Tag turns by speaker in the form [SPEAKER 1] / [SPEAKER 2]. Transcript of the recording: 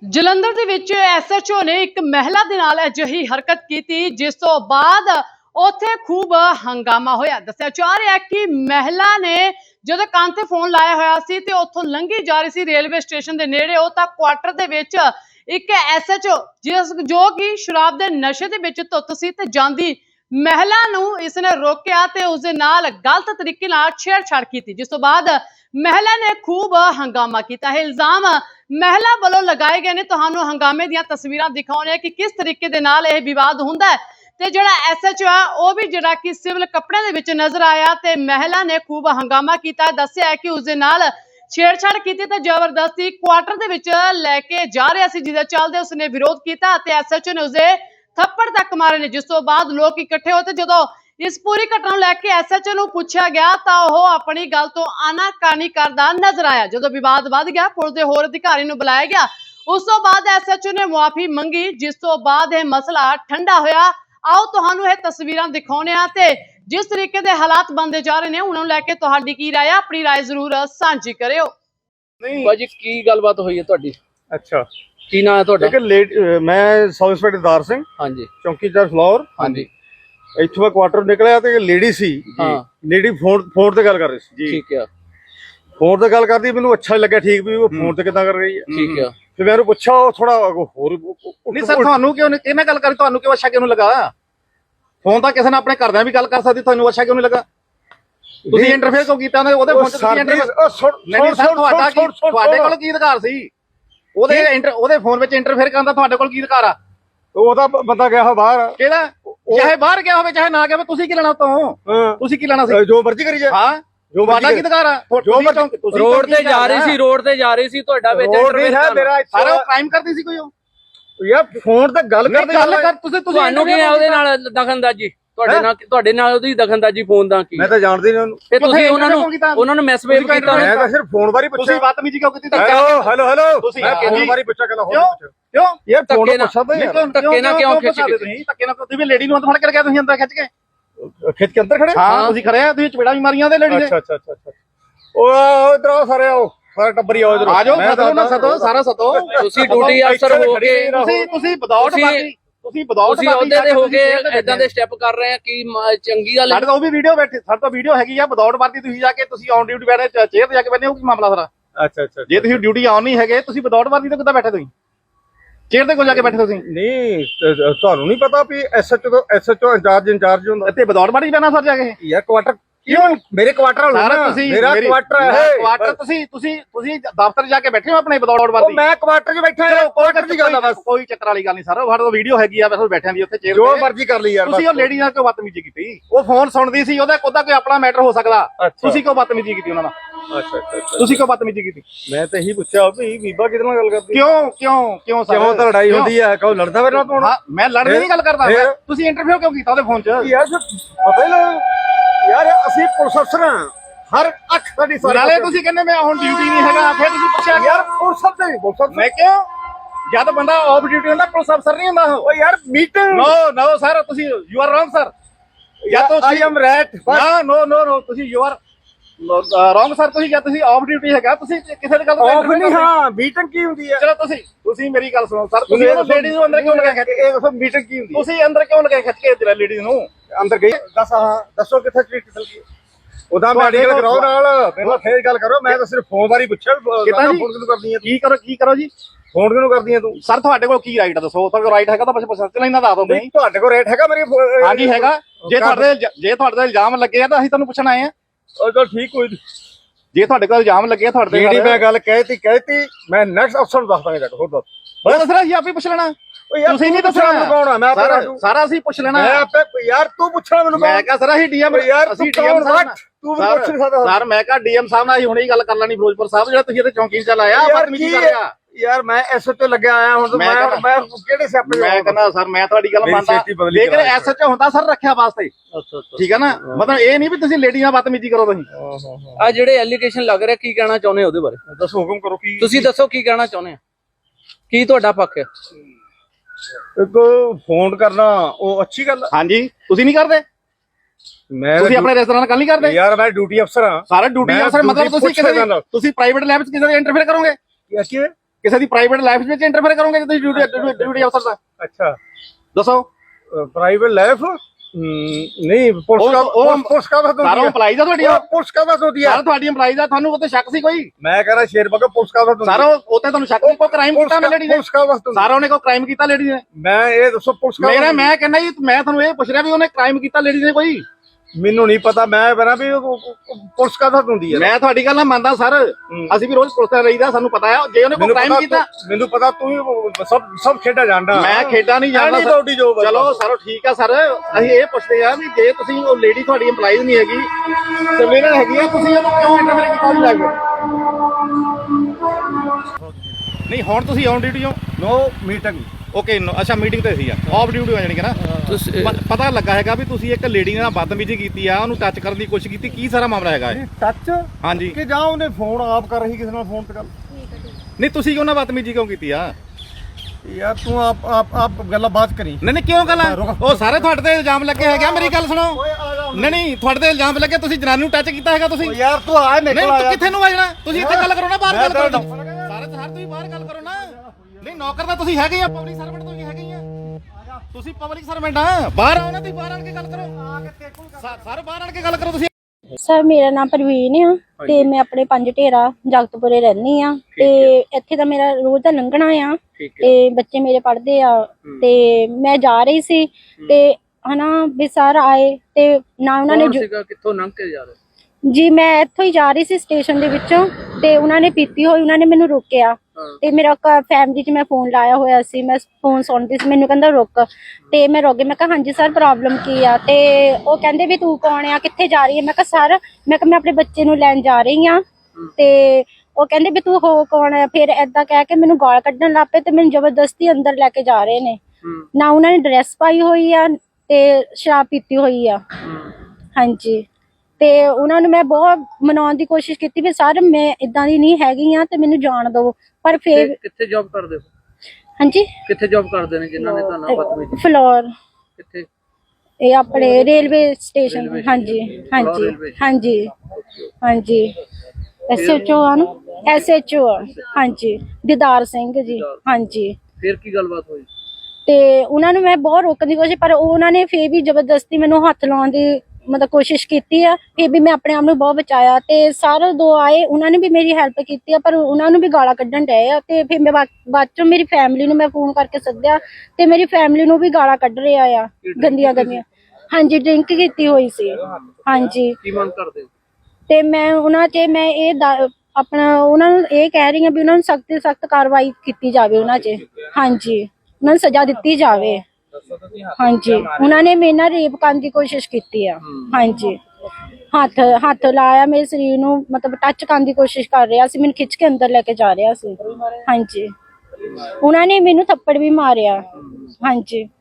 [SPEAKER 1] ਜਲੰਧਰ ਦੇ ਵਿੱਚ ਐਸਐਚਓ ਨੇ ਇੱਕ ਮਹਿਲਾ ਦੇ ਨਾਲ ਅਜਿਹੀ ਹਰਕਤ ਕੀਤੀ ਜਿਸ ਤੋਂ ਬਾਅਦ ਉੱਥੇ ਖੂਬ ਹੰਗਾਮਾ ਹੋਇਆ। ਦੱਸਿਆ ਜਾ ਰਿਹਾ ਹੈ ਕਿ ਮਹਿਲਾ ਨੇ ਜਦੋਂ ਕੰਨ ਤੇ ਫੋਨ ਲਾਇਆ ਹੋਇਆ ਸੀ ਤੇ ਉੱਥੋਂ ਲੰਘੀ ਜਾ ਰਹੀ ਸੀ ਰੇਲਵੇ ਸਟੇਸ਼ਨ ਦੇ ਨੇੜੇ, ਉਹ ਤਾਂ ਕੁਆਟਰ ਦੇ ਵਿੱਚ ਇੱਕ ਐਸਐਚਓ ਜੋ ਕਿ ਸ਼ਰਾਬ ਦੇ ਨਸ਼ੇ ਦੇ ਵਿੱਚ ਧੁੱਤ ਸੀ ਤੇ ਜਾਂਦੀ ਮਹਿਲਾ ਨੂੰ ਇਸਨੇ ਰੋਕਿਆ ਤੇ ਉਸ ਦੇ ਨਾਲ ਗਲਤ ਤਰੀਕੇ ਨਾਲ ਛੇੜਛਾੜ ਕੀਤੀ, ਜਿਸ ਤੋਂ ਬਾਅਦ ਮਹਿਲਾ ਨੇ ਖੂਬ ਹੰਗਾਮਾ ਕੀਤਾ ਹੈ। ਇਲਜ਼ਾਮ ਮਹਿਲਾ ਵੱਲੋਂ ਲਗਾਏ ਗਏ ਨੇ। ਤੁਹਾਨੂੰ ਹੰਗਾਮੇ ਦੀਆਂ ਤਸਵੀਰਾਂ ਦਿਖਾਉਣੇ ਕਿ ਕਿਸ ਤਰੀਕੇ ਦੇ ਨਾਲ ਇਹ ਵਿਵਾਦ ਹੁੰਦਾ ਹੈ ਤੇ ਜਿਹੜਾ ਐਸਐਚਓ ਹੈ ਉਹ ਵੀ ਜਿਹੜਾ ਕਿ ਸਿਵਲ ਕੱਪੜਿਆਂ ਦੇ ਵਿੱਚ ਨਜ਼ਰ ਆਇਆ ਤੇ ਮਹਿਲਾ ਨੇ ਖੂਬ ਹੰਗਾਮਾ ਕੀਤਾ। ਦੱਸਿਆ ਹੈ ਕਿ ਉਸ ਦੇ ਨਾਲ ਛੇੜਛਾੜ ਕੀਤੀ ਤੇ ਜ਼ਬਰਦਸਤੀ ਕੁਆਟਰ ਦੇ ਵਿੱਚ ਲੈ ਕੇ ਜਾ ਰਿਹਾ ਸੀ, ਜਿਹਦੇ ਚੱਲਦੇ ਉਸਨੇ ਵਿਰੋਧ ਕੀਤਾ ਤੇ ਐਸਐਚਓ ਨੇ ਉਸਦੇ ਥੱਪੜ ਤੱਕ ਮਾਰੇ ਨੇ, ਜਿਸ ਤੋਂ ਬਾਅਦ ਲੋਕ ਇਕੱਠੇ ਹੋਏ ਤੇ ਜਦੋਂ ਇਸ ਪੂਰੀ ਘਟਨਾ ਨੂੰ ਲੈ ਕੇ ਐਸਐਚਓ ਨੂੰ ਪੁੱਛਿਆ ਗਿਆ ਤਾਂ ਉਹ ਆਪਣੀ ਗੱਲ ਤੋਂ ਆਨਾਕਾਨੀ ਕਰਦਾ ਨਜ਼ਰ ਆਇਆ। ਜਦੋਂ ਵਿਵਾਦ ਵੱਧ ਗਿਆ, ਪੁਲਿਸ ਦੇ ਹੋਰ ਅਧਿਕਾਰੀ ਨੂੰ ਬੁਲਾਇਆ ਗਿਆ। ਉਸ ਤੋਂ ਬਾਅਦ ਐਸਐਚਓ ਨੇ ਮੁਆਫੀ ਮੰਗੀ, ਜਿਸ ਤੋਂ ਬਾਅਦ ਇਹ ਮਸਲਾ ਠੰਡਾ ਹੋਇਆ। ਆਓ ਤੁਹਾਨੂੰ ਇਹ ਤਸਵੀਰਾਂ ਦਿਖਾਉਂਦੇ ਆ ਤੇ ਜਿਸ ਤਰੀਕੇ ਦੇ ਹਾਲਾਤ ਬਣਦੇ ਜਾ ਰਹੇ ਨੇ ਉਹਨਾਂ ਨੂੰ ਲੈ ਕੇ ਤੁਹਾਡੀ ਕੀ ਰਾਏ ਹੈ, ਆਪਣੀ ਰਾਏ ਜ਼ਰੂਰ ਸਾਂਝੀ ਕਰਿਓ।
[SPEAKER 2] ਨਹੀਂ ਭਾਜੀ, ਕੀ ਗੱਲਬਾਤ ਹੋਈ ਹੈ ਤੁਹਾਡੀ?
[SPEAKER 3] ਅੱਛਾ,
[SPEAKER 2] ਕੀ ਨਾਮ ਹੈ ਤੁਹਾਡਾ?
[SPEAKER 3] ਮੈਂ ਸਬ ਇੰਸਪੈਕਟਰ ਦਾਰ ਸਿੰਘ,
[SPEAKER 2] ਹਾਂਜੀ
[SPEAKER 3] ਚੌਂਕੀਦਾਰ ਫਲੋਰ।
[SPEAKER 2] ਹਾਂਜੀ,
[SPEAKER 3] ਇੱਥੋਂ ਮੈਂ ਕੁਆਟਰ ਨਿਕਲਿਆ ਤੇ ਲੇਡੀ ਸੀ, ਲੇਡੀ ਫੋਨ ਤੇ ਗੱਲ ਕਰ ਰਹੀ ਸੀ ਜੀ।
[SPEAKER 2] ਠੀਕ ਹੈ,
[SPEAKER 3] ਫੋਨ ਤੇ ਗੱਲ ਕਰਦੀ, ਮੈਨੂੰ ਅੱਛਾ ਲੱਗਿਆ, ਠੀਕ ਵੀ ਉਹ ਫੋਨ ਤੇ ਕਿੱਦਾਂ ਕਰ ਰਹੀ ਹੈ।
[SPEAKER 2] ਠੀਕ ਹੈ,
[SPEAKER 3] ਫਿਰ ਮੈਂ ਉਹਨੂੰ ਪੁੱਛਿਆ, ਉਹ ਥੋੜਾ ਹੋਰ
[SPEAKER 4] ਨਹੀਂ ਸਰ, ਤੁਹਾਨੂੰ ਕਿਉਂ ਕਿਹਨੇ ਗੱਲ ਕਰੀ? ਤੁਹਾਨੂੰ ਕਿਉਂ ਅੱਛਾ ਕਿਉਂ ਨਹੀਂ ਲੱਗਾ? ਫੋਨ ਤਾਂ ਕਿਸੇ ਨੇ ਆਪਣੇ ਘਰਦਿਆਂ ਵੀ ਗੱਲ ਕਰ ਸਕਦੀ, ਤੁਹਾਨੂੰ ਅੱਛਾ ਕਿਉਂ ਨਹੀਂ ਲੱਗਾ? ਤੁਸੀਂ ਇੰਟਰਫੇਅਰ ਕਿਉਂ ਕੀਤਾ ਉਹਦੇ ਫੋਨ ਤੇ? ਨਹੀਂ ਸਰ, ਤੁਹਾਡੇ ਕੋਲ ਕੀ ਅਧਿਕਾਰ ਸੀ? ਉਹਦੇ ਫੋਨ ਵਿੱਚ ਇੰਟਰਫੇਅਰ ਕਰਨ ਦਾ ਤੁਹਾਡੇ ਕੋਲ ਕੀ ਅਧਿਕਾਰ ਆ?
[SPEAKER 3] ਉਹਦਾ ਬੰਦਾ ਗਿਆ ਹੋ ਬਾਹਰ।
[SPEAKER 4] ਕਿਹੜਾ? ਚਾਹੇ ਬਾਹਰ ਗਿਆ ਹੋਵੇ ਚਾਹੇ ਨਾ ਗਿਆ ਹੋਵੇ, ਤੁਸੀਂ ਕੀ ਲੈਣਾ ਤੋਂ? ਤੁਸੀਂ ਕੀ ਲੈਣਾ ਸੀ?
[SPEAKER 3] ਜੋ ਮਰਜ਼ੀ ਕਰੀ ਜਾ।
[SPEAKER 4] ਹਾਂ, ਤੁਹਾਡਾ ਕੀ ਅਧਿਕਾਰ ਆ?
[SPEAKER 2] ਰੋਡ ਤੇ ਜਾ ਰਹੀ ਸੀ, ਰੋਡ ਤੇ ਜਾ ਰਹੀ ਸੀ, ਤੁਹਾਡਾ ਵਿੱਚ
[SPEAKER 3] ਮੇਰਾ
[SPEAKER 4] ਸਾਰਾ ਕ੍ਰਾਈਮ ਕਰਦੀ ਸੀ ਕੋਈ? ਉਹ
[SPEAKER 3] ਯਾਰ ਫੋਨ ਤੇ ਗੱਲ
[SPEAKER 4] ਕਰ ਤੁਸੀਂ
[SPEAKER 2] ਤੁਹਾਨੂੰ ਕੀ ਉਹਦੇ ਨਾਲ ਦਖਲਅੰਦਾਜ਼ੀ? ਤੁਹਾਡੇ ਨਾਲ ਉਹਦੀ ਦਖਲਅੰਦਾਜ਼ੀ ਫੋਨ ਦਾ ਕੀ?
[SPEAKER 3] ਮੈਂ ਤਾਂ ਜਾਣਦੀ ਨਹੀਂ ਉਹਨੂੰ।
[SPEAKER 2] ਤੇ ਤੁਸੀਂ ਉਹਨਾਂ ਨੂੰ ਮੈਸੇਜ ਕੀਤਾ?
[SPEAKER 3] ਮੈਂ ਤਾਂ ਸਿਰਫ ਫੋਨ ਬਾਰੇ ਪੁੱਛਿਆ।
[SPEAKER 4] ਤੁਸੀਂ ਬਦਤਮੀਜ਼ੀ ਕਿਉਂ ਕੀਤੀ?
[SPEAKER 3] ਹੈਲੋ
[SPEAKER 4] ਤੁਸੀਂ
[SPEAKER 3] ਫੋਨ ਬਾਰੇ ਪੁੱਛਿਆ, ਕਹਿੰਦਾ
[SPEAKER 4] ਕਿਉਂ
[SPEAKER 3] ਯਾਰ ਫੋਨ ਪੁੱਛਦਾ
[SPEAKER 2] ਧੱਕੇ ਨਾਲ ਕਿਉਂ ਖਿੱਚ ਕੇ?
[SPEAKER 4] ਤੁਸੀਂ ਧੱਕੇ ਨਾਲ ਤੁਸੀਂ ਵੀ ਲੇਡੀ ਨੂੰ ਫੜ ਕੇ ਲਗਾਇਆ, ਤੁਸੀਂ ਅੰਦਰ ਖਿੱਚ ਕੇ
[SPEAKER 3] ਅੰਦਰ ਖੜੇ?
[SPEAKER 4] ਹਾਂ, ਤੁਸੀਂ ਖੜੇ ਆ, ਤੁਸੀਂ ਚਪੇੜਾ ਵੀ ਮਾਰੀਆਂ ਉਹਦੇ ਲੇਡੀ ਦੇ।
[SPEAKER 3] ਅੱਛਾ ਉਹ ਇਧਰ ਆਓ, ਸਾਰੇ ਆਓ, ਸਾਰਾ ਟੱਬਰ ਹੀ ਆਓ ਇਧਰ।
[SPEAKER 4] ਆ ਜਾਓ, ਸਦੋ ਸਾਰਾ ਸਦੋ।
[SPEAKER 2] ਤੁਸੀਂ ਡਿਊਟੀ ਅਫਸਰ ਹੋ ਕੇ
[SPEAKER 4] ਤੁਸੀਂ ਵਿਦਆਊਟ ਪਾਰਟੀ, ਤੁਸੀਂ
[SPEAKER 2] ਉਹਦੇ ਦੇ ਹੋ ਕੇ ਇਦਾਂ ਦੇ ਸਟੈਪ ਕਰ ਰਹੇ ਆ ਕੀ ਚੰਗੀ ਗੱਲ ਹੈ?
[SPEAKER 4] ਸਾਡੇ ਤਾਂ ਉਹ ਵੀ ਵੀਡੀਓ ਬੈਠੇ, ਸਾਡੇ ਤਾਂ ਵੀਡੀਓ ਹੈਗੀ ਆ। ਵਿਦਆਊਟ ਪਾਰਟੀ ਤੁਸੀਂ ਜਾ ਕੇ ਤੁਸੀਂ ਔਨ ਡਿਊਟੀ ਬੈਠੇ, ਚੇਅਰ ਤੇ ਜਾ ਕੇ ਬੈਠੇ ਹੋ, ਕੀ ਮਾਮਲਾ ਸਾਰਾ?
[SPEAKER 3] ਅੱਛਾ
[SPEAKER 4] ਜੇ ਤੁਸੀਂ ਡਿਊਟੀ ਆਨ ਨਹੀਂ ਹੈਗੇ, ਤੁਸੀਂ ਵਿਦਆਊਟ ਪਾਰਟੀ ਤੇ ਕਿੱਦਾਂ ਬੈਠੇ? ਤੁਸੀਂ ਚੇਅਰ ਤੇ ਕਿਉਂ ਜਾ ਕੇ ਬੈਠੇ? ਤੁਸੀਂ
[SPEAKER 3] ਨਹੀਂ, ਤੁਹਾਨੂੰ ਨਹੀਂ ਪਤਾ ਵੀ ਐਸਐਚਓ ਇੰਚਾਰਜ ਹੁੰਦਾ
[SPEAKER 4] ਇੱਥੇ ਵਿਦਆਊਟ ਪਾਰਟੀ ਬੈਣਾ ਸਰ ਜਾ ਕੇ?
[SPEAKER 3] ਯਾਰ ਕੁਆਟਰ ਕਿਉਂ? ਮੇਰੇ ਕੁਆਟਰ ਮੇਰਾ ਕੁਆਟਰ ਹੈ।
[SPEAKER 4] ਕੁਆਟਰ ਤੁਸੀਂ ਦਫ਼ਤਰ ਜਾ ਕੇ ਬੈਠੇ ਹੋ ਆਪਣੇ ਵਿਦਆਊਟ ਪਾਰਟੀ?
[SPEAKER 3] ਮੈਂ ਕੁਆਟਰ 'ਚ ਬੈਠਾ ਹਾਂ। ਕੁਆਟਰ ਦੀ ਗੱਲ ਆ ਬਸ,
[SPEAKER 4] ਕੋਈ ਚੱਕਰ ਵਾਲੀ ਗੱਲ ਨਹੀਂ ਸਰ। ਸਾਡੇ ਕੋਲ ਵੀਡੀਓ ਹੈਗੀ ਆ, ਬਸ ਬੈਠਿਆਂ ਦੀ ਉੱਥੇ ਚੇਅਰ ਤੇ।
[SPEAKER 3] ਜੋ ਮਰਜ਼ੀ ਕਰ ਲਈ ਯਾਰ।
[SPEAKER 4] ਤੁਸੀਂ ਉਹ ਲੇਡੀ ਨਾਲ ਕਿਉਂ ਬਦਤਮੀਜ਼ੀ ਕੀਤੀ? ਉਹ ਫੋਨ ਸੁਣਦੀ ਸੀ, ਉਹਦਾ ਕੋਈ ਆਪਣਾ ਮੈਟਰ ਹੋ ਸਕਦਾ। ਤੁਸੀਂ ਕਿਉਂ ਬਦਤਮੀਜ਼ੀ ਕੀਤੀ ਉਹਨਾਂ ਨਾਲ?
[SPEAKER 3] ਅੱਛਾ,
[SPEAKER 4] ਤੁਸੀਂ ਕਿਉਂ ਬਦਤਮੀਜ਼ੀ ਕੀਤੀ?
[SPEAKER 3] ਮੈਂ ਤਾਂ ਇਹੀ ਪੁੱਛਿਆ ਵੀ ਬੀਬਾ ਕਿਹਦੇ ਨਾਲ ਗੱਲ ਕਰਦੀ?
[SPEAKER 4] ਕਿਉਂ
[SPEAKER 3] ਤਾਂ ਲੜਾਈ ਹੁੰਦੀ ਹੈ? ਕਹੋ ਲੜਦਾ ਮੇਰੇ ਨਾਲ ਕੌਣ?
[SPEAKER 4] ਹਾਂ, ਮੈਂ ਲੜਨ ਦੀ ਗੱਲ ਕਰਦਾ। ਤੁਸੀਂ ਇੰਟਰਵਿਊ ਕਿਉਂ ਕੀਤਾ ਉਹਦੇ ਫੋਨ 'ਚ?
[SPEAKER 3] ਯਾਰ ਪਤਾ ਹੀ ਨਹੀਂ ਯਾਰ, ਅਸੀਂ ਪੁਲਿਸ ਅਫਸਰ ਹਾਂ, ਹਰ ਅੱਖ ਸਾਡੀ
[SPEAKER 4] ਨਾਲੇ ਤੁਸੀਂ ਕਹਿੰਦੇ ਮੈਂ ਹੁਣ ਡਿਊਟੀ ਨਹੀਂ ਹੈਗਾ, ਫਿਰ ਤੁਸੀਂ ਪੁੱਛਿਆ
[SPEAKER 3] ਯਾਰ ਪੁਲਿਸ ਅਫਸਰ ਨਹੀਂ? ਪੁਲਿਸ ਅਫਸਰ
[SPEAKER 4] ਮੈਂ ਕਿਉਂ? ਜਦ ਬੰਦਾ ਆਫ ਡਿਊਟੀ ਹੁੰਦਾ ਪੁਲਿਸ ਅਫਸਰ ਨਹੀਂ ਹੁੰਦਾ ਉਹ।
[SPEAKER 3] ਯਾਰ ਮੀਟਿੰਗ
[SPEAKER 4] ਨੋ ਸਰ, ਤੁਸੀਂ you are wrong sir.
[SPEAKER 3] I am right.
[SPEAKER 4] No ਤੁਸੀਂ ਯੂ ਆਰ ਰੋਂਗ ਸਰ। ਤੁਸੀਂ ਆਫ ਡਿਊਟੀ ਹੈਗਾ, ਤੁਸੀਂ ਕਿਸੇ ਦੀ ਗੱਲ
[SPEAKER 3] ਆਫ ਨਹੀਂ। ਹਾਂ, ਮੀਟਿੰਗ ਕੀ ਹੁੰਦੀ ਹੈ?
[SPEAKER 4] ਚਲੋ ਤੁਸੀਂ ਮੇਰੀ ਗੱਲ ਸੁਣੋ ਸਰ। ਤੁਸੀਂ ਲੇਡੀ ਨੂੰ ਅੰਦਰ ਕਿਉਂ ਲਗਾ ਖਿੱਚ ਕੇ?
[SPEAKER 3] ਇਹ ਦੱਸੋ ਮੀਟਿੰਗ ਕੀ ਹੁੰਦੀ ਹੈ?
[SPEAKER 4] ਤੁਸੀਂ ਅੰਦਰ ਕਿਉਂ ਲਗਾ ਖਿੱਚ ਕੇ ਲੇਡੀ ਨੂੰ
[SPEAKER 3] ਅੰਦਰ ਗਈ? ਦੱਸੋ ਕਿੱਥੇ ਚੀਟ ਚਲ ਗਈ? ਉਹਦਾ ਮੈਡੀਕਲ ਕਰਾਓ ਨਾਲ, ਪਹਿਲਾਂ ਫੇਰ ਗੱਲ ਕਰੋ। ਮੈਂ ਤਾਂ ਸਿਰਫ ਫੋਨ ਬਾਰੇ ਪੁੱਛਿਆ, ਫੋਨ ਕਿਉਂ ਕਰਦੀ ਹੈ?
[SPEAKER 4] ਕੀ ਕਰੋ ਜੀ?
[SPEAKER 3] ਫੋਨ ਕਿਉਂ ਕਰਦੀ ਹੈ ਤੂੰ?
[SPEAKER 4] ਸਰ ਤੁਹਾਡੇ ਕੋਲ ਕੀ ਰਾਈਟ ਆ ਦੱਸੋ? ਤੁਹਾਡੇ ਕੋਲ ਰਾਈਟ ਹੈਗਾ ਤਾਂ ਬਸ ਲੈਣਾ ਦੱਸ ਦੋ। ਨਹੀਂ
[SPEAKER 3] ਤੁਹਾਡੇ ਕੋਲ ਰੇਟ ਹੈਗਾ? ਮੇਰੀ
[SPEAKER 4] ਹਾਂਜੀ ਹੈਗਾ। ਜੇ ਤੁਹਾਡੇ ਤੇ ਇਲਜ਼ਾਮ ਲੱਗੇ ਆ ਤਾਂ ਅਸੀਂ ਤੁਹਾਨੂੰ ਪੁੱਛਣ ਆਏ ਆ।
[SPEAKER 3] ਚਲ ਠੀਕ, ਕੋਈ
[SPEAKER 4] ਜੇ ਤੁਹਾਡੇ ਕੋਲ ਇਲਜ਼ਾਮ ਲੱਗੇ ਆ ਤੁਹਾਡੇ
[SPEAKER 3] ਜਿਹੜੀ ਮੈਂ ਗੱਲ ਕਹਿਤੀ ਮੈਂ ਨੈਕਸਟ ਅਫਸਰ ਨੂੰ ਦੱਸ ਦਾਂਗਾ ਜਾ ਕੇ। ਹੋਰ
[SPEAKER 4] ਦੱਸ ਦੱਸਣਾ ਸੀ, ਆਪੇ ਪੁੱਛ ਲੈਣਾ। ਤੁਸੀਂ ਨਹੀਂ ਦੱਸਣਾ
[SPEAKER 3] ਕੌਣ ਆ? ਮੈਂ
[SPEAKER 4] ਸਾਰਾ ਅਸੀਂ ਪੁੱਛ ਲੈਣਾ।
[SPEAKER 3] ਯਾਰ ਤੂੰ ਪੁੱਛਣਾ ਮੈਨੂੰ?
[SPEAKER 4] ਮੈਂ ਕਿਹਾ ਸਰ ਅਸੀਂ ਡੀਐਮ,
[SPEAKER 3] ਅਸੀਂ ਡੀਐਮ ਸਾਹਿਬ, ਤੂੰ ਵੀ ਪੁੱਛ ਸਕਦਾ
[SPEAKER 4] ਸਰ। ਮੈਂ ਕਿਹਾ ਡੀਐਮ ਸਾਹਿਬ ਨਾਲ ਅਸੀਂ ਹੁਣੇ ਹੀ ਗੱਲ ਕਰ ਲੈਣੀ, ਫਿਰੋਜ਼ਪੁਰ ਸਾਹਿਬ, ਜਿਹੜਾ ਤੁਸੀਂ ਇੱਥੇ ਚੌਂਕੀ ਚ ਆਇਆ ਬਦਤਮੀਜ਼ੀ ਕਰ ਰਿਹਾ।
[SPEAKER 3] ਯਾਰ ਮੈਂ ਐਸਐਚਓ ਲੱਗਿਆ ਆਇਆ ਹੁਣ, ਮੈਂ ਕਿਹੜੇ ਸਿਆਪੇ?
[SPEAKER 4] ਮੈਂ ਕਹਿੰਦਾ ਸਰ, ਮੈਂ ਤੁਹਾਡੀ ਗੱਲ ਮੰਨਦਾ, ਲੇਕਿਨ ਐਸਐਚਓ ਹੁੰਦਾ ਸਰ ਰੱਖਿਆ ਵਾਸਤੇ। ਠੀਕ ਹੈ ਨਾ? ਮਤਲਬ ਇਹ ਨਹੀਂ ਵੀ ਤੁਸੀਂ ਲੇਡੀ ਨਾਲ ਬਦਤਮੀਜ਼ੀ ਕਰੋ। ਤੁਸੀਂ
[SPEAKER 2] ਆ ਜਿਹੜੇ ਐਲੀਗੇਸ਼ਨ ਲੱਗ ਰਿਹਾ, ਕੀ ਕਹਿਣਾ ਚਾਹੁੰਦੇ ਉਹਦੇ ਬਾਰੇ?
[SPEAKER 3] ਦੱਸੋ, ਹੁਕਮ ਕਰੋ। ਕੀ
[SPEAKER 2] ਤੁਸੀਂ ਦੱਸੋ, ਕੀ ਕਹਿਣਾ ਚਾਹੁੰਦੇ ਆ? ਕੀ ਤੁਹਾਡਾ ਪੱਖ ਹੈ?
[SPEAKER 3] ਇੱਕ ਫੋਨ ਕਰਨਾ ਉਹ ਅੱਛੀ ਗੱਲ?
[SPEAKER 4] ਹਾਂਜੀ, ਤੁਸੀਂ ਨਹੀਂ ਕਰਦੇ? ਤੁਸੀਂ ਆਪਣੇ ਰੈਸਟੋਰੈਂਟ ਨਾਲ ਗੱਲ ਨਹੀਂ ਕਰਦੇ?
[SPEAKER 3] ਯਾਰ ਮੈਂ ਡਿਊਟੀ ਅਫਸਰ ਹਾਂ।
[SPEAKER 4] ਸਾਰਾ ਡਿਊਟੀ ਅਫਸਰ ਮਤਲਬ ਤੁਸੀਂ ਪ੍ਰਾਈਵੇਟ ਲੈਬ 'ਚ ਕਿਸੇ ਦੇ ਇੰਟਰਫੇਅਰ ਕਰੋਗੇ? ਕਿਸੇ ਦੀ ਪ੍ਰਾਈਵੇਟ ਲਾਈਫ ਵਿੱਚ ਇੰਟਰਫੇਅਰ ਕਰੋਗੇ ਤੁਸੀਂ ਡਿਊਟੀ ਅਫਸਰ ਦਾ?
[SPEAKER 3] ਅੱਛਾ
[SPEAKER 4] ਦੱਸੋ।
[SPEAKER 3] ਪ੍ਰਾਈਵੇਟ ਲਾਈਫ ਨਹੀਂ ਪੁਲਿਸ ਦਾ
[SPEAKER 4] ਸਾਰਾ EMPLOYEES ਆ ਤੁਹਾਡੀ,
[SPEAKER 3] ਪੁਲਿਸ ਦਾ ਹੁੰਦੀ
[SPEAKER 4] ਸਾਰਾ ਤੁਹਾਡੀ EMPLOYEES ਆ। ਤੁਹਾਨੂੰ ਉੱਤੇ ਸ਼ੱਕ ਸੀ ਕੋਈ?
[SPEAKER 3] ਮੈਂ ਕਹਿੰਦਾ ਸ਼ੇਰ ਬਗਾ ਪੁਲਿਸ ਦਾ
[SPEAKER 4] ਸਾਰਾ ਉੱਤੇ ਤੁਹਾਨੂੰ ਸ਼ੱਕ ਸੀ ਕੋਈ ਕ੍ਰਾਈਮ ਕੀਤਾ ਨਾ ਲੇਡੀ ਨੇ? ਸਾਰਾ ਉਹਨੇ ਕੋਈ ਕ੍ਰਾਈਮ ਕੀਤਾ ਲੇਡੀ ਨੇ?
[SPEAKER 3] ਮੈਂ ਇਹ ਦੱਸੋ ਪੁਲਿਸ ਦਾ
[SPEAKER 4] ਮੈਂ ਕਹਿੰਦਾ ਜੀ ਮੈਂ ਤੁਹਾਨੂੰ ਇਹ ਪੁੱਛ ਰਿਹਾ ਵੀ ਉਹਨੇ ਕ੍ਰਾਈਮ ਕੀਤਾ ਲੇਡੀ ਨੇ ਕੋਈ?
[SPEAKER 3] ਮੈਨੂੰ ਨਹੀਂ ਪਤਾ, ਮੈਂ ਕਹਿੰਦਾ ਵੀ ਪੁਲਿਸ ਦਾ ਹੁੰਦੀ ਹੈ।
[SPEAKER 4] ਮੈਂ ਤੁਹਾਡੀ ਗੱਲ ਨਾਲ ਮੰਨਦਾ ਸਰ, ਅਸੀਂ ਵੀ ਰੋਜ਼ ਪੁਲਿਸ ਨਾਲ ਰਹੀਦਾ, ਸਾਨੂੰ ਪਤਾ ਹੈ ਜੇ ਉਹਨੇ ਕੋਈ ਕ੍ਰਾਈਮ ਕੀਤਾ।
[SPEAKER 3] ਮੈਨੂੰ ਪਤਾ ਤੂੰ ਸਭ ਖੇਡਾਂ ਜਾਣਦਾ।
[SPEAKER 4] ਮੈਂ ਖੇਡਾਂ ਨਹੀਂ ਜਾਣਦਾ ਸਰ। ਚਲੋ ਸਰ ਠੀਕ ਆ ਸਰ, ਅਸੀਂ ਇਹ ਪੁੱਛਦੇ ਆ ਵੀ ਜੇ ਤੁਸੀਂ ਉਹ ਲੇਡੀ ਤੁਹਾਡੀ EMPLOYEES ਨਹੀਂ ਹੈਗੀ, ਸਰਵੇਲੈਂਸ ਹੈਗੀ ਆ, ਤੁਸੀਂ ਉਹਨੂੰ ਕਿਉਂ ਇੰਟਰਫੇਅਰ ਕੀਤਾ ਨਹੀਂ ਲੱਗ? ਨਹੀਂ ਹੁਣ ਤੁਸੀਂ ਔਨ ਡਿਊਟੀ ਹੋ?
[SPEAKER 3] No meeting.
[SPEAKER 4] ਓਕੇ, ਅੱਛਾ ਮੀਟਿੰਗ ਤੇ ਸੀ ਆ, ਆਫ ਡਿਊਟੀ ਹੋ ਜਾਣੀ ਕਿ ਨਾ। ਪਤਾ ਲੱਗਾ ਹੈਗਾ ਵੀ ਤੁਸੀਂ ਇੱਕ ਲੇਡੀ ਨਾਲ ਬਦਤਮੀਜ਼ੀ ਕੀਤੀ ਆ, ਉਹਨੂੰ ਟੱਚ ਕਰਨ ਦੀ ਕੋਸ਼ਿਸ਼ ਕੀਤੀ, ਕੀ ਸਾਰਾ ਮਾਮਲਾ ਹੈਗਾ ਇਹ?
[SPEAKER 3] ਟੱਚ
[SPEAKER 4] ਹਾਂਜੀ
[SPEAKER 3] ਕਿ ਜਾਂ ਉਹਨੇ ਫੋਨ ਆਪ ਕਰ ਰਹੀ ਕਿਸੇ ਨਾਲ ਫੋਨ ਤੇ ਗੱਲ?
[SPEAKER 4] ਨਹੀਂ ਤੁਸੀਂ ਉਹਨਾਂ ਬਦਤਮੀਜ਼ੀ ਕਿਉਂ ਕੀਤੀ ਆ
[SPEAKER 3] ਯਾਰ? ਤੂੰ ਆਪ ਗੱਲਾਂ ਬਾਤ ਕਰੀ।
[SPEAKER 4] ਨਹੀਂ ਕਿਉਂ ਗੱਲ? ਉਹ ਸਾਰੇ ਤੁਹਾਡੇ ਤੇ ਇਲਜ਼ਾਮ ਲੱਗੇ ਹੈਗੇ, ਮੇਰੀ ਗੱਲ ਸੁਣੋ। ਨਹੀਂ ਤੁਹਾਡੇ ਤੇ ਇਲਜ਼ਾਮ ਲੱਗੇ, ਤੁਸੀਂ ਜਨਾਨੀ ਨੂੰ ਟੱਚ ਕੀਤਾ ਹੈਗਾ ਤੁਸੀਂ।
[SPEAKER 3] ਯਾਰ ਤੂੰ ਆ ਨਿਕਲ ਆ।
[SPEAKER 4] ਕਿੱਥੇ ਨੂੰ ਵਜਣਾ? ਤੁਸੀਂ ਇੱਥੇ ਗੱਲ ਕਰੋ ਨਾ, ਬਾਹਰ ਗੱਲ ਕਰੋ। ਸਾਰੇ ਤੁਸੀਂ ਬਾਹਰ ਗੱਲ ਕਰੋ ਨਾ। ਨਹੀਂ ਨੌਕਰ ਤਾਂ ਤੁਸੀਂ ਹੈਗੇ ਆ, ਪਬਲਿਕ ਸਰਵੈਂਟ ਤੁਸੀਂ ਹੈਗੇ ਆ, ਤੁਸੀਂ ਪਬਲਿਕ ਸਰਵੈਂਟ ਆ। ਬਾਹਰ ਆਓ ਨਾ, ਤੁਸੀਂ ਬਾਹਰ ਆਣ ਕੇ ਗੱਲ ਕਰੋ। ਸਾਰੇ ਬਾਹਰ ਆਣ ਕੇ ਗੱਲ ਕਰੋ ਤੁਸੀਂ।
[SPEAKER 5] ਸਰ ਮੇਰਾ ਨਾਮ ਪ੍ਰਵੀਨ ਆ ਤੇ ਮੈਂ ਆਪਣੇ 5 ਢੇਰਾ ਜਗਤਪੁਰੇ ਰਹਿੰਦੀ ਆ ਤੇ ਇੱਥੇ ਦਾ ਮੇਰਾ ਰੋਜ਼ ਦਾ ਲੰਘਣਾ ਆ ਤੇ ਬੱਚੇ ਮੇਰੇ ਪੜ੍ਹਦੇ ਆ ਤੇ ਮੈਂ ਜਾ ਰਹੀ ਸੀ ਤੇ ਹਨਾ ਵੀ ਸਰ ਆਏ ਤੇ ਨਾ ਉਹਨਾਂ ਨੇ
[SPEAKER 2] ਕਿੱਥੋਂ ਲੰਘ ਕੇ ਜਾ ਰਹੇ
[SPEAKER 5] ਜੀ, ਮੈਂ ਇੱਥੋਂ ਹੀ ਜਾ ਰਹੀ ਸੀ ਸਟੇਸ਼ਨ ਦੇ ਵਿੱਚੋਂ ਤੇ ਉਹਨਾਂ ਨੇ ਪੀਤੀ ਹੋਈ, ਉਹਨਾਂ ਨੇ ਮੈਨੂੰ ਰੋਕਿਆ ਤੇ ਮੇਰਾ ਫੈਮਿਲੀ 'ਚ ਮੈਂ ਫੋਨ ਲਾਇਆ ਹੋਇਆ ਸੀ, ਮੈਂ ਫੋਨ ਸੁਣਦੀ ਸੀ, ਮੈਨੂੰ ਕਹਿੰਦਾ ਰੁਕ ਤੇ ਮੈਂ ਰੁਕ ਗਈ। ਮੈਂ ਕਿਹਾ ਹਾਂਜੀ ਸਰ ਪ੍ਰੋਬਲਮ ਕੀ ਆ? ਤੇ ਉਹ ਕਹਿੰਦੇ ਵੀ ਤੂੰ ਕੌਣ ਆ, ਕਿੱਥੇ ਜਾ ਰਹੀ ਹੈ? ਮੈਂ ਕਿਹਾ ਸਰ ਮੈਂ ਆਪਣੇ ਬੱਚੇ ਨੂੰ ਲੈਣ ਜਾ ਰਹੀ ਆ ਤੇ ਉਹ ਕਹਿੰਦੇ ਵੀ ਤੂੰ ਹੋ ਕੌਣ ਆ? ਫਿਰ ਏਦਾਂ ਕਹਿ ਕੇ ਮੈਨੂੰ ਗਾਲ ਕੱਢਣ ਲੱਗ ਪਏ ਤੇ ਮੈਨੂੰ ਜ਼ਬਰਦਸਤੀ ਅੰਦਰ ਲੈ ਕੇ ਜਾ ਰਹੇ ਨੇ। ਨਾ ਉਹਨਾਂ ਨੇ ਡਰੈਸ ਪਾਈ ਹੋਈ ਆ ਤੇ ਸ਼ਰਾਬ ਪੀਤੀ ਹੋਈ ਆ। ਹਾਂਜੀ ਤੇ ਉਹਨਾਂ ਨੂੰ ਮੈਂ ਬਹੁਤ ਮਨਾਉਣ ਦੀ ਕੋਸ਼ਿਸ਼ ਕੀਤੀ ਵੀ ਸਰ ਮੈਂ ਇਦਾਂ ਦੀ ਨਹੀਂ ਹੈਗੀ ਆ ਤੇ ਮੈਨੂੰ ਜਾਣ ਦਿਓ, ਪਰ ਫਿਰ
[SPEAKER 2] ਕਿੱਥੇ ਜੌਬ ਕਰਦੇ ਹੋ?
[SPEAKER 5] ਹਾਂਜੀ
[SPEAKER 2] ਕਿੱਥੇ ਜੌਬ ਕਰਦੇ ਨੇ ਜਿਨ੍ਹਾਂ ਨੇ ਤੁਹਾਨੂੰ ਬਦਤਮੀਜ਼ੀ?
[SPEAKER 5] ਫਲੋਰ
[SPEAKER 2] ਕਿੱਥੇ?
[SPEAKER 5] ਇਹ ਆਪਣੇ ਰੇਲਵੇ ਸਟੇਸ਼ਨ। ਹਾਂਜੀ ਹਾਂਜੀ ਹਾਂਜੀ ਹਾਂਜੀ SHO ਆ ਨਾ, SHO ਆ। ਹਾਂਜੀ ਦੀਦਾਰ ਸਿੰਘ ਜੀ। ਹਾਂਜੀ
[SPEAKER 2] ਫਿਰ ਕੀ ਗੱਲਬਾਤ ਹੋਈ?
[SPEAKER 5] ਤੇ ਉਹਨਾਂ ਨੂੰ ਮੈਂ ਬਹੁਤ ਰੋਕਣ ਦੀ ਕੋਸ਼ਿਸ਼, ਪਰ ਉਹਨਾਂ ਨੇ ਫੇਰ ਵੀ ਜ਼ਬਰਦਸਤੀ ਮੈਨੂੰ ਹੱਥ ਲਾਉਣ ਦੀ ਮਤਲਬ ਕੋਸ਼ਿਸ਼ ਕੀਤੀ ਆ। ਫਿਰ ਵੀ ਮੈਂ ਆਪਣੇ ਆਪ ਨੂੰ ਬਹੁਤ ਬਚਾਇਆ ਤੇ ਸਾਰੇ ਦੋ ਆਏ, ਉਹਨਾਂ ਨੇ ਵੀ ਮੇਰੀ ਹੈਲਪ ਕੀਤੀ ਆ, ਪਰ ਉਹਨਾਂ ਨੂੰ ਵੀ ਗਾਲਾਂ ਕੱਢਣ ਡਏ ਆ। ਤੇ ਫਿਰ ਮੈਂ ਬਾਅਦ ਚੋਂ ਮੇਰੀ ਫੈਮਿਲੀ ਨੂੰ ਮੈਂ ਫੋਨ ਕਰਕੇ ਸੱਦਿਆ ਤੇ ਮੇਰੀ ਫੈਮਿਲੀ ਨੂੰ ਵੀ ਗਾਲਾਂ ਕੱਢ ਰਿਹਾ ਆ, ਗੰਦੀਆਂ। ਹਾਂਜੀ ਡਰਿੰਕ ਕੀਤੀ ਹੋਈ ਸੀ। ਹਾਂਜੀ
[SPEAKER 2] ਕੀ ਮੰਗ ਕਰਦੇ ਹੋ?
[SPEAKER 5] ਤੇ ਮੈਂ ਉਹਨਾਂ 'ਚ ਮੈਂ ਇਹ ਆਪਣਾ ਉਹਨਾਂ ਨੂੰ ਇਹ ਕਹਿ ਰਹੀ ਹਾਂ ਵੀ ਉਹਨਾਂ ਨੂੰ ਸਖਤ ਤੋਂ ਸਖਤ ਕਾਰਵਾਈ ਕੀਤੀ ਜਾਵੇ ਉਹਨਾਂ 'ਚ। ਹਾਂਜੀ ਉਹਨਾਂ ਨੂੰ ਸਜ਼ਾ ਦਿੱਤੀ ਜਾਵੇ। ਹਾਂਜੀ ਉਹਨਾਂ ਨੇ ਮੇਰੇ ਨਾਲ ਰੇਪ ਕਰਨ ਦੀ ਕੋਸ਼ਿਸ਼ ਕੀਤੀ ਆ। ਹਾਂਜੀ ਹੱਥ ਲਾਇਆ ਮੇਰੇ ਸਰੀਰ ਨੂੰ, ਮਤਲਬ ਟੱਚ ਕਰਨ ਦੀ ਕੋਸ਼ਿਸ਼ ਕਰ ਰਿਹਾ ਸੀ, ਮੈਨੂੰ ਖਿੱਚ ਕੇ ਅੰਦਰ ਲੈ ਕੇ ਜਾ ਰਿਹਾ ਸੀ। ਹਾਂਜੀ ਉਹਨਾਂ ਨੇ ਮੈਨੂੰ ਥੱਪੜ ਵੀ ਮਾਰਿਆ। ਹਾਂਜੀ